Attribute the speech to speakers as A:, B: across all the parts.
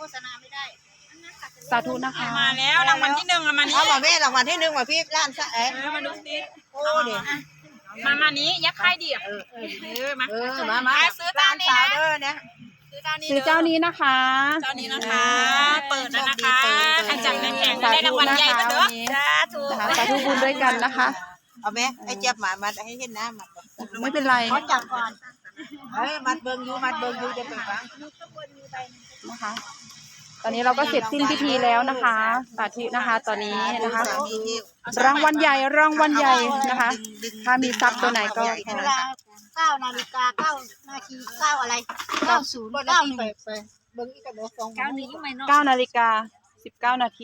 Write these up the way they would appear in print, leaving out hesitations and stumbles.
A: ษณาไม่ได้
B: สาธุนะคะ
C: มาแล้วรางวัลที่หนึ่งมานี้
D: เอามาแม่รางวัลที่หนึ่งมาพี่ร้านซะ
C: มาดูสิ
D: โอ้เดี๋ยว
C: มานี้ยักษ์ไข่ดิมา
D: ซื้อร้านสาวเด้อเนี่ย
B: ซื้อเจ้านี้นะคะ
C: เจ้านี้นะคะ เปิดแล้วนะคะอาจารย์ในแผงได้รางวัลใหญ่มาเด้อสาธุ
B: สาธุบุญด้วยกันนะคะ
D: เอาแม่ไอ้เจ็บหมามาให้เห็นหน้ามัน
B: ไม่เป็นไร
A: เขาจับก่อน
D: มัดเบิ่งอยู่จะไปฟัง
B: นะคะ ตอนนี้เราก็เสร็จสิ้นพิธีแล้วนะคะสาธุนะคะ ตอนนี้นะคะ รางวัลใหญ่นะคะ ถ้ามีทรัพย์ตัวไหนก็
A: เวลา9 นาฬิกา 9 นาที 9 อะไร 90 91
D: ไปเบิ่งอีกกระโดดสอง
A: 9 นี้ยังไม่นอก
B: 9 นาฬิกา 19 นาที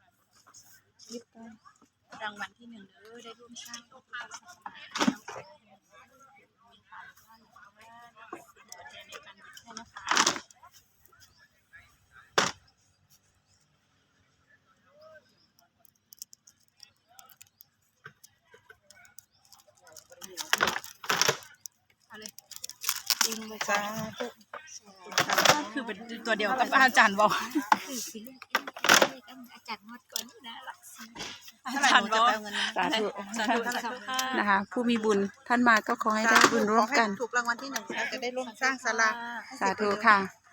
C: รางวัลที่หนึ่งเด้อได้ร่วมสร้างโลกภาพ
D: สาธุ
C: คือเป็นตัวเดียวกับอาจารย์บอก
A: อาจารย์งดก่อนนะหลักสิ
C: อาจารย์บอก
B: สาธุ
C: สาธุค่ะ
B: นะคะ ผู้มีบุญท่านมาก็ขอให้ได้บุญร่วมกัน
D: ถูกรางวัลที่หนึ่งจะได้ร่วมสร้างศาลา
B: สาธุค่ะ